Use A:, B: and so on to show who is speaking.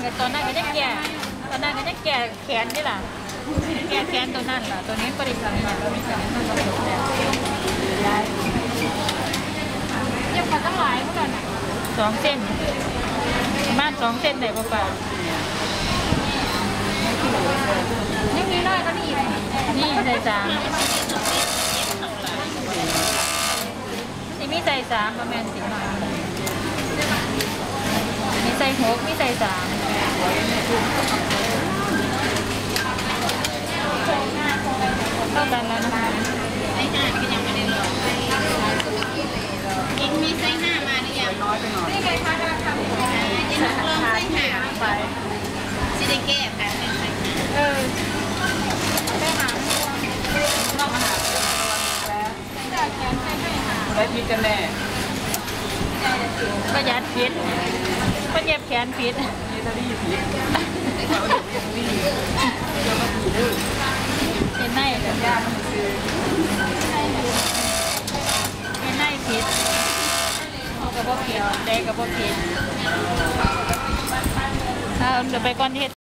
A: ตอนนั้นก็จะแก่ตอนนั้นก็จะแก่แขนนี่ล่ะแก่แขนตัวนั้นล่ะตัวนี้ก็ได้ทำมาแล้วมีการทำมาแล้วได้เย็บมาตั้งหลายเมื่อก่อน2 เส้นประมาณ2 เส้นได้ป่ะนี่มีน้อยก็นี่นี่ใส่3นี่มีใส่3ประมาณ10 หน่อยมีใส่6มีใส่3เท่ากันแล้วนะคะ
B: ไส้5ก็ยังไม่ได้ลองกินมีไส้5มาหรือยังนี่ไงคะกำลังทำยังลองไส้5ไปซิได้แก้ค่ะ
A: ได้หางนอกอาหาร
C: ได้พิษกันแน่
A: ประหยัดพิษก็เย็บแขนพิษ
C: นี่ถ้าดีพิษ
A: เป็นไนแบบยามันคือเป็นไนพิษกับพวกพิษได้กับพวกพิษเดี๋ยวไปก่อนที่